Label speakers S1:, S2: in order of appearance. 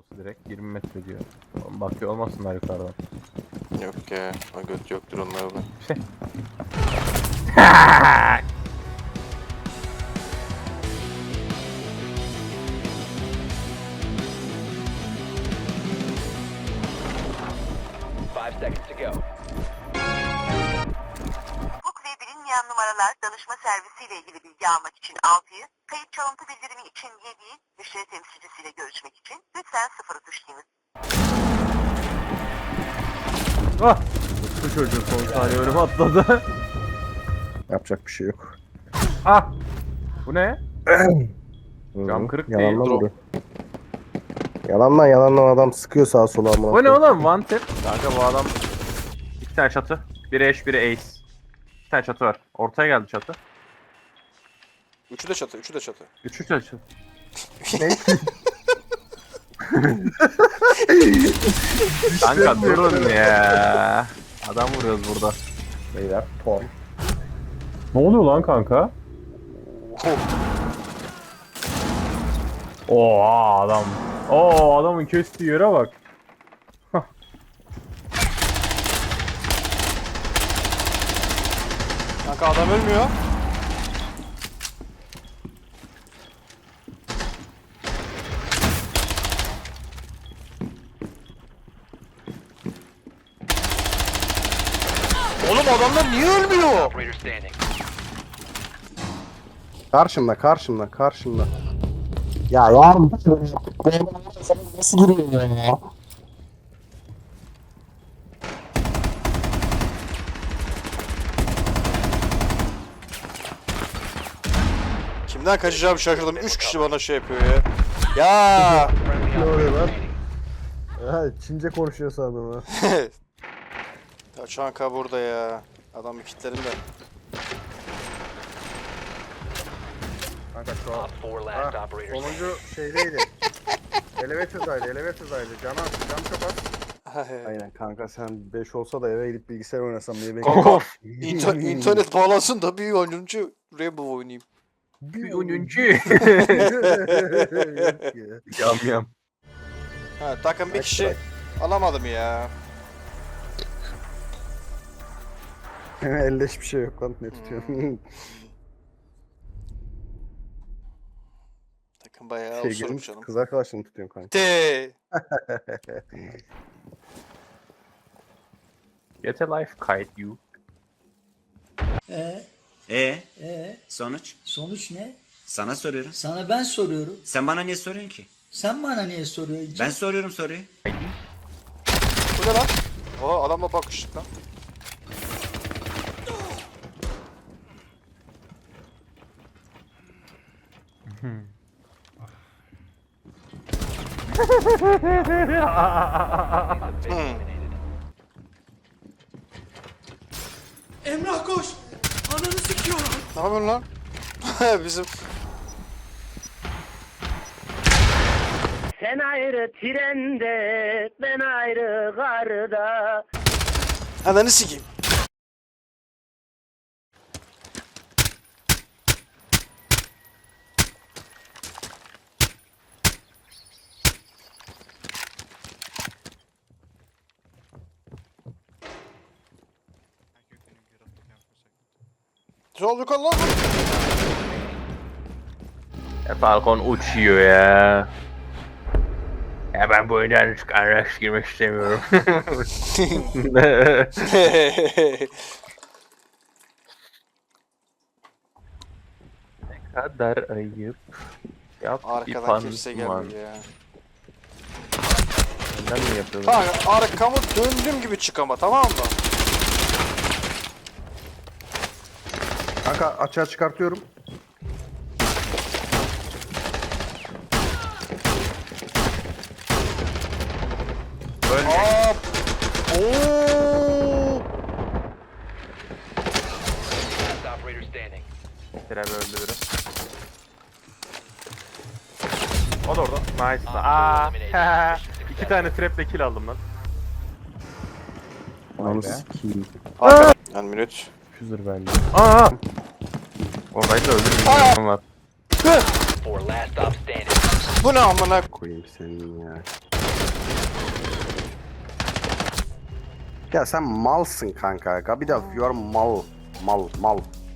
S1: Burası direkt 20 metre diyor. Bakıyor olmasınlar yukarıdan.
S2: Yok ya. O göt yoktur onlarda.
S1: Şey.
S3: 5 seconds to go.
S4: Hukuk ve bilinmeyen numaralar danışma servisiyle ilgili bilgi almak için 6'yı, kayıp çalıntı bildirimi için 7'yi, müşteri temsilcisiyle görüşmek için lütfen 0'ı tuşlayınız.
S1: Ah! Bu çocuğun son saniye önüme atladı.
S5: Yapacak bir şey yok.
S1: Ah! Bu ne? Cam kırık değil.
S5: Yalandan vurdu. Yalandan adam sıkıyor sağa sola amına.
S1: Bu ne oğlum? One tap. Kanka bu adam... İki tane çatı. Biri eş, biri ace. İki tane çatı var. Ortaya geldi çatı.
S2: Üçü de çatı, üçü de çatı.
S1: Üçü çatı. Kanka durun ya. Adam vuruyoruz burada.
S5: Beyler porn.
S1: Ne oluyor lan kanka? Oha adam. Oo adamın kestiği yere bak.
S2: Kanka adam ölmüyor. Oğlum adamlar niye ölmüyor?
S3: Operator standing.
S5: Karşımda. Ya yarım. Nasıl giriyor ya?
S2: Kimden kaçacağımı şaşırdım. 3 kişi bana şey yapıyor ya. Ya.
S5: Ne oluyor lan? Ha, Çince konuşuyor sandım ha.
S2: Ya Çanka burada ya. Adam kitlerinde.
S5: Kanka şu an
S3: Op 4 last
S5: Ha,
S3: operator.
S5: sonuncu şeydeydi. Elevatordaydı. Cam çok az. Aynen kanka sen 5 olsa da eve gidip bilgisayar oynasam diye bekliyorum.
S2: Kanka internet bağlansın da bir oyuncu Rainbow oynayayım.
S1: Bir oyuncu. Yam yam.
S2: Ha takım bir kişi alamadım ya.
S5: Elde hiçbir şey yok lan ne tutuyorsun?
S2: Takım bayağı
S5: Şey
S2: osuruk
S5: girmiş
S2: canım.
S5: kız arkadaşını tutuyorsun kanka.
S2: De.
S1: Get a life kite you.
S6: Sonuç?
S7: Sonuç ne?
S6: Sana soruyorum.
S7: Sana ben soruyorum.
S6: Sen bana niye soruyorsun ki?
S7: Sen bana niye soruyorsun?
S6: Ben soruyorum soruyu.
S2: Bu ne lan? Oha adamla bakıştık lan.
S7: Emrah koş! Ananı sikiyorum!
S2: Ne yapıyorsun lan? Bizim
S8: Sen ayrı trende, ben ayrı garda.
S2: ananı sikeyim. Ne oldu lan?
S1: Falcon uçuyor ya. Ya ben bu oyundan araç girmek istemiyorum. Ne kadar ayıp. Yap
S2: Arkadan kimse gelmiyor ya.
S1: Neden mi yapıyorsun?
S2: Kanka arkamı döndüğüm gibi çık ama tamam mı?
S5: Kanka açığa çıkartıyorum.
S2: Aa, ooo.
S3: Last operator standing.
S1: Trap öldü biri. O da orada. Nice. Aa, iki tane traple kill aldım lan.
S5: Ananı sikeyim.
S2: Yani minüt.
S1: Füzür bence. Aa! Oradaydı öldürmüyorum var.
S3: 4 last stop standing.
S2: Bu ne amına?
S5: Koyayım senin ya. Ya sen malsın kanka. Gabidav you are mal. Mal.